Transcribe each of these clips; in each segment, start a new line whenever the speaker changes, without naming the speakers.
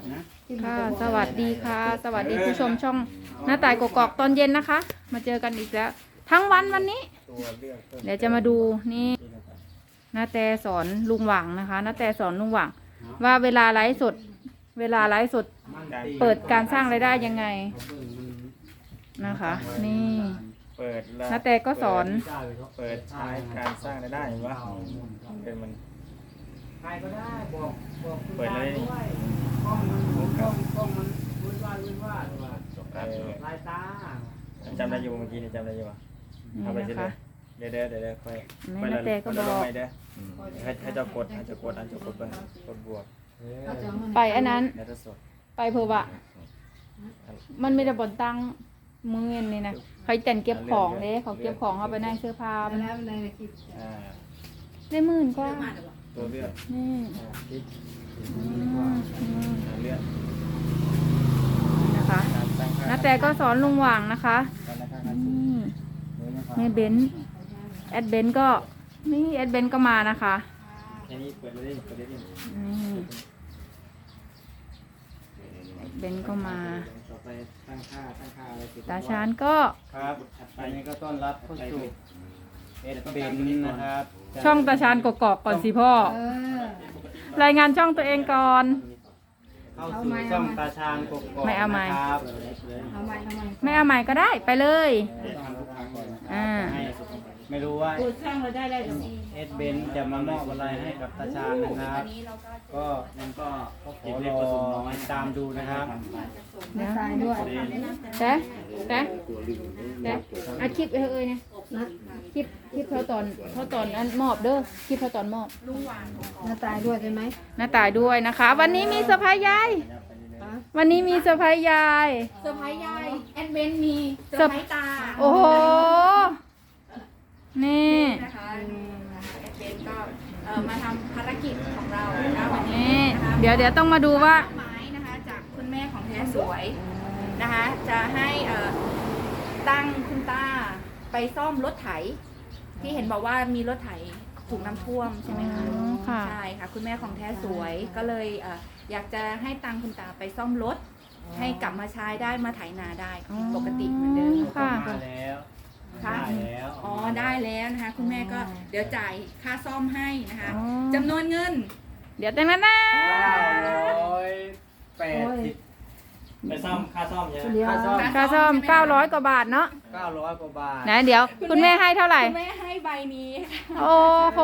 ค่ะสวัสดีค่ะ สวัสดีผู้ชมช่องหน้าต่ายกกอกตอนเย็นนะคะ มาเจอกันอีกแล้ว ทั้งวันนี้ เดี๋ยวจะมาดูนี่น้าแต่สอนลุงหว่างนะคะน้าแต่สอนลุงหว่างว่าเวลาไลฟ์สดเปิดการสร้างรายได้ยังไงนะคะ นี่น้าแต่ก็สอน
เปิดใช้การสร้างรายได้วะเป็นมันใครก็ได้บอกเปิดเลยกล้องมันวุ่นวายลายตาจำได้อยู่เมื่อกี้นี่จำได้อยู่วะเอาไปสิเดี๋ยวค่อยไปแล้วก็บอกให้เจ้ากดอันจะกดไปกดบวก
ไปอันนั้นไปเพื่อว่ามันไม่ได้บนตั้งมือนี่นะเขาแต่งเก็บของเลยเขาเก็บของเขาไปในเสื้อผ้าได้หมื่นกว่า
ตัวเลือด
นี่นะคะน้าแต่ก็สอนลุงหว่างนะคะนี่เบนแอดเบนก็นี่แอดเบนก็มานะคะนี่เบนก็มาตาชานก็
ครับอันนี้ก็ต้อนรับเข้าสู่เอ็ดเบนนะครับ
ช่องตาชานกกอกก่อนสิพ่อรายงานช่องตัวเองก่อน
เข้าสู่ช่องตาชานกกอก
ไม่เอาไม้
ครับ
ไม่เอาไม้ก็ได้ไปเลย
ไม่รู้ว่าเอ็ดเบนจะมามอบอะไรให้กับตาชานนะครับก็ยังก็ขอรอตามดูนะครับ
แต่อาคลิปเอ้ยเนี่ยคลิปเขาตอนนั้นมอบเด้อคลิปเขาตอนมอบ
หน้าตายด้วยใช่ไหม
หน้าตายด้วยนะคะวันนี้มีเซอร์ไพรส์ยายวันนี้มีเซอร์ไพรส์ยาย
แอดเวนมีเซอร์ไพรส์ตา
โอ้โหนี่
นะคะแอดเวนก็มาทำภารกิจของเรานะคะวัน
นี้เดี๋ยวต้องมาดูว่า
ไม้นะคะจากคุณแม่ของแท้สวยนะคะจะให้ตั้งคุณตาไปซ่อมรถไถที่เห็นบอกว่ามีรถไถถูกน้ำท่วมใช่ไหมคะใช่ค่ะคุณแม่ของแท้สวยก็เลยอยากจะให้ตังคุณตาไปซ่อมรถให้กลับมาใช้ได้มาไถนาได้ปกติเหมือนเดิม
ค่ะ
ค่ะอ๋อได้แล้วนะคะคุณแม่ก็เดี๋ยวจ่ายค่าซ่อมให้นะคะจำนวนเงิน
เดี๋ยวแต่งนั้นนะ
980ไปซ่อมค่าซ่อมใช่ไหม
ค่าซ่อม900 กว่าบาทเนาะ
900 กว่าบาท
นะเดี๋ยวคุณแม่ให้เท่าไหร่
คุณแม่ให้ใบนี้
โอ้โห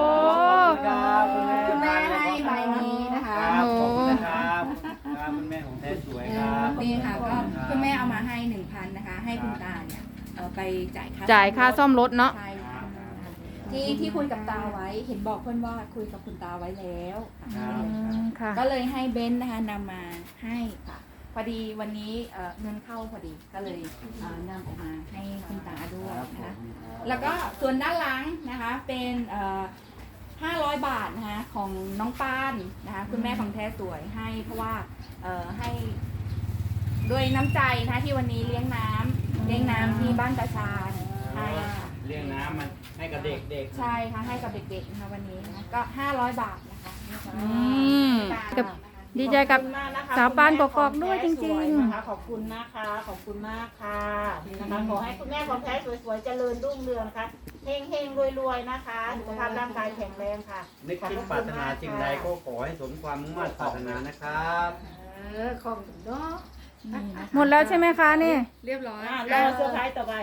คุณแม่ให้ใบนี้นะคะ
ขอบคุณนะครับคุณแม่ของแท้สวยครับ
นี่ค่ะก็คุณแม่เอามาให้ 1,000 นะคะให้คุณตาเนี่ยไป
จ่ายค่าซ่อมรถเนาะ
ที่คุยกับตาไว้เห็นบอกเพื่อนว่าคุยกับคุณตาไว้แล้ว
ค่ะ
ก็เลยให้เบนนะคะนำมาให้ค่ะพอดีวันนี้เงินเข้าพอดีก็เลยนำออกมาให้คุณตาด้วยนะคะแล้วก็ส่วนด้านหลังนะคะเป็น500 บาทนะคะของน้องปานนะคะคุณแม่ของแท้สวยให้เพราะว่าให้ด้วยน้ำใจนะที่วันนี้เลี้ยงน้ำที่บ้านตาชาญให้
เลี้ยงน้ำมันให้กับเด็ก
ใช่ค่ะให้กับเด็กๆนะคะวันนี้นะก็500 บาทนะคะ
กับดีใจกับสาวปานกกอกด้วยจริงๆ
นะคะขอบคุณนะคะขอบคุณมากค่ะนะคะขอให้คุณแม่ของแท้สวยๆเจริญรุ่งเรืองนะคะเฮงๆรวยๆนะคะสุขภาพร่างกายแข็งแรงค่ะ
นึกคิดปรารถนาสิ่งใดก็ขอให้สมความมุ่งมั่นปรารถนานะครับ
ขอบคุณเนาะ
หมดแล้วใช่ไหมคะนี่
เรียบร้อย
รอเซอร์ไพรส์ต่อไป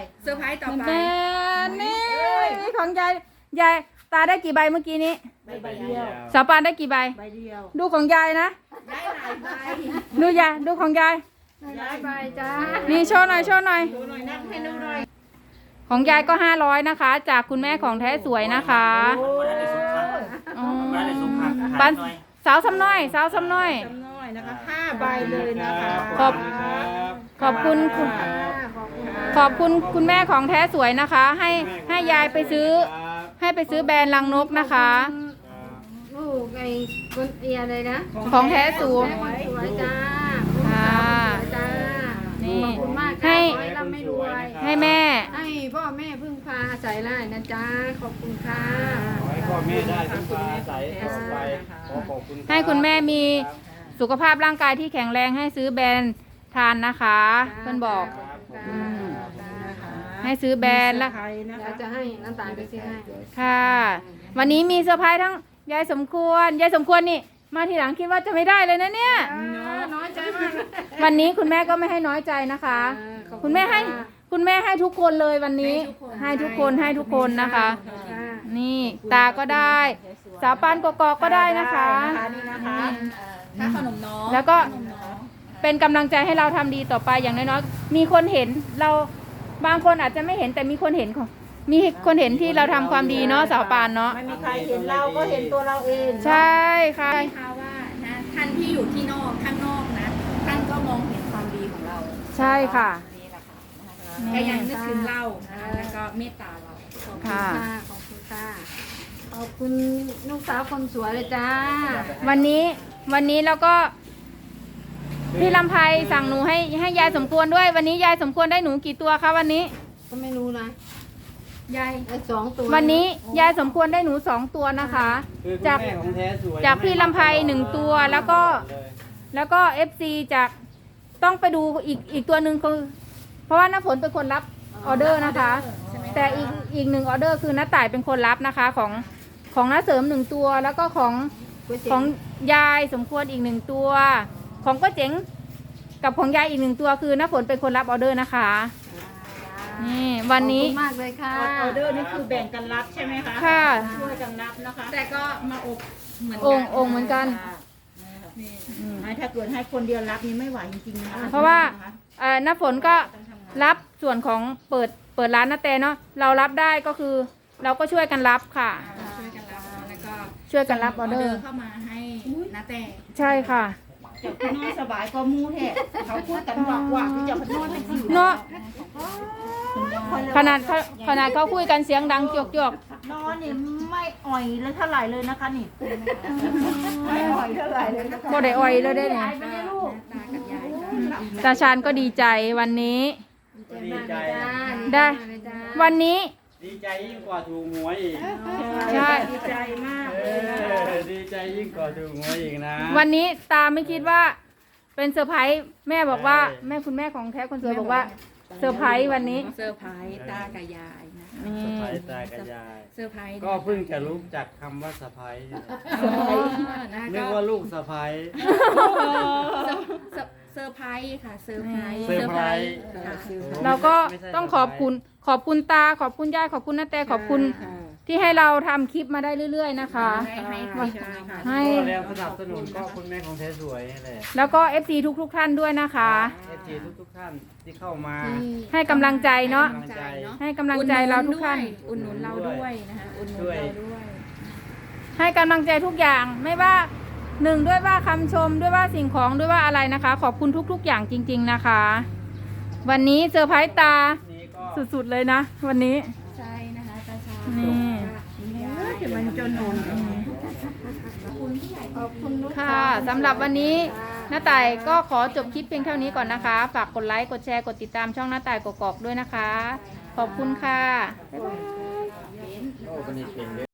นี่ของยายตาได้กี่ใบเมื่อกี้นี้
ใบเดียว
สาวปานได้กี่ใบ
เดียว
ดูของยายนะ
ได้หลายใบ
ดูของยาย
ใบจ้า
นี่โชว์หน่อย
นับให้ดูหน่อย
ของยายก็500นะคะจากคุณแม่ของแท้สวยนะคะปันสาวซ้ำน้อย
นะคะ5 ใบเลยนะคะ
ขอบคุณคุณแม่ของแท้สวยนะคะให้ยายไปซื้อแบรนด์ลังนกนะคะ
ลูกไอ้คนอะไรนะ
ของแท้สวย
จ้าจ้า
นี่ให้แม่
ให้พ่อแม่พึ่งพาอาศัยได้นะจ้าขอบคุณค่ะ
ขอให้พ่อแม่ได้พึ่งพาอาศัยต่อไปขอบคุณ
ให้คุณแม่มีสุขภาพร่างกายที่แข็งแรงให้ซื้อแบรนด์ทานนะคะเพื่อนบอก ให้ซื้อแบรนด์ละ
ใครนะ
เรา
คะ
จะให้น้ำตาลไปซื้อให้
ค่ะ วันนี้มีเซอร์ไพรส์ทั้งยายสมควรยายสมควรนี่มาทีหลังคิดว่าจะไม่ได้เลยนะเนี่ย
น้อยใจมาก
วันนี้คุณแม่ก็ไม่ให้น้อยใจนะคะ คุณแม่ให้ทุกคนเลยวันนี้ ให้ทุกคนนะคะ นี่ตาก็ได้ สาวปานกกอกก็ได้นะคะ
นี่นะคะ
ค่าขนมน้อง
แล้วก็
ขนมน้อง
เป็นกำลังใจให้เราทำดีต่อไปอย่างน้อยๆมีคนเห็นเราบางคนอาจจะไม่เห็นแต่มีคนเห็นที่เราทำความดีเนาะสาวปานเนาะ
ไม่มีใครเห็นเราก็เห็นตัวเราเอง
ใช่ค่ะ
ใช่ค่ะว่านะท่านที่อยู่ที่นอกข้างนอกนะท่านก็มองเห็นความดีของเรา
ใช่ค่ะ
นี่แหละค่ะก็ยังนึกถึงเรานะคะแล้วก็เมตตาเรา
ขอบคุณ
ค่ะ
ค่ะขอบคุณค่ะขอบคุณลูกสาวคนสวยเลยจ้า
วันนี้เราก็พี่ลำไพสั่งหนูให้ยายสมควรด้วย วันนี้ยายสมควรได้หนูกี่ตัวคะวันนี้
ก็ไม่รู้นะ
ยาย
ได้2 ตัว
วันนี้ยายสมควรได้หนู2 ตัวนะคะ
คือคุณ
จาก
แม่ของแท้สวย
จากพี่ลำไพ1 ตัวแล้วก็ FC จากต้องไปดูอีกตัวหนึ่งคือเพราะว่าน้าฝนเป็นคนรับออเดอร์นะคะ แต่อีก1ออเดอร์คือน้าต่ายเป็นคนรับนะคะของน้าเสริม1ตัวแล้วก็ของยายสมควรอีก1ตัว ของก็เจ๋งกับของยายอีก1ตัวคือน้าฝนเป็นคนรับออเดอร์นะคะนี่วันนี้
ขอบคุณมากเลยค่ะ
ออเดอร์นี่คือแบ่งกันรับใช่ไหมคะ
ค่ะ
ช่วยกันรับนะคะ
แต่ก็มาอบเหมือน
อ
กั
งค์เหมือนกัน
ถ้าเกิดให้คนเดียวรับนี่ไม่ไหวจริงๆนะคะ
เพราะว่าน้าฝนก็รับส่วนของเปิดร้านนาแตเนาะเรารับได้ก็คือเราก็ช่วยกันรับค่ะ
ช่วยกันรับแล้วก็
ช่วยกันรับออเดอร์
เข้ามาให้นาแต่
ใช่ค่ะ
เจะพี่น้อยสบายก็มูแท้เขาพูดกันหวักๆที่จะพี่น้อยเป็นสิว
เนาะขนาดเขาคุยกันเสียงดังจวก
นอนนี่ไม่อ่อยเลยเท่าไหร่เลยนะคะนี่ไม่อ่อยเท่าไหร่เลยนะคะ
ๆก็ได้อ่อยเลยได้เนี่ย
ไม่ได้ลูก
ตากับยายก็
ตาชานก็ดีใจวันนี้
ดีใจ
ได้ วันนี้
ดีใจยิ่งกว่าถูกหวยอีก
ใช่
ดีใจมาก
เอ
เลยนะคะ
อดีใจยิ่งกว่าถูกหวยอีกนะ
วันนี้ตาไม่คิดว่าเป็นเซอร์ไพรส์แม่บอกว่า
ใช่
แม่คุณแม่ของแท้คนสวยบอกว่าเซอร์ไพรส์วันนี้
เซอร์ไพรส์ตากับยายนะ
นี่
สะพายตากับยาย
เซอร์ไพรส์
ก็เพิ่งจะรู้จักคำว่าสะพาย
นะ
นึก
ก็
ว่าลูกสะพาย
เซอร์ไพรส์ค่ะเซอร์ไพรส์
เซอร์ไพรส์
ค่ะ
เราก็
ไม่ใช่
ต้องขอบคุณตาขอบคุณยายขอบคุณนาแตขอบคุณที่ให้เราทำคลิปมาได้เรื่อยๆนะคะ
ให้คลิปของเราค่ะ
ให้
ก็แรงสนับสนุนก็คุณแม่ของแท้สวยนี่แหละ
แล้วก็ FC ทุกท่านด้วยนะคะ
FG ทุกท่านที่เข้ามา
ให้กำลังใจเนาะ
กำลังใจ
ให้กำลังใจเราทุกท่าน
อุดหนุนเราด้วยนะคะอุดหนุนเราด้วย
ให้กำลังใจทุกอย่างไม่ว่าหนึ่งด้วยว่าคำชมด้วยว่าสิ่งของด้วยว่าอะไรนะคะ ขอบคุณทุกๆอย่างจริง ๆนะคะ วันนี้เซอร์ไพรส์ตา
นี่ก็
สุดๆเลยนะ วันนี้
ใช่นะคะตาชา
นี่
จะมันจนนน
ขอบคุณลูก
ค่ะสำหรับวันนี้น้าต่ายก็ขอจบคลิปเพียงเท่านี้ก่อนนะคะ ฝากกดไลค์กดแชร์กดติดตามช่องน้าต่ายกกอกด้วยนะคะ ขอบคุณค่ะบ๊ายบาย
โอ้คนนี้เก่งเลย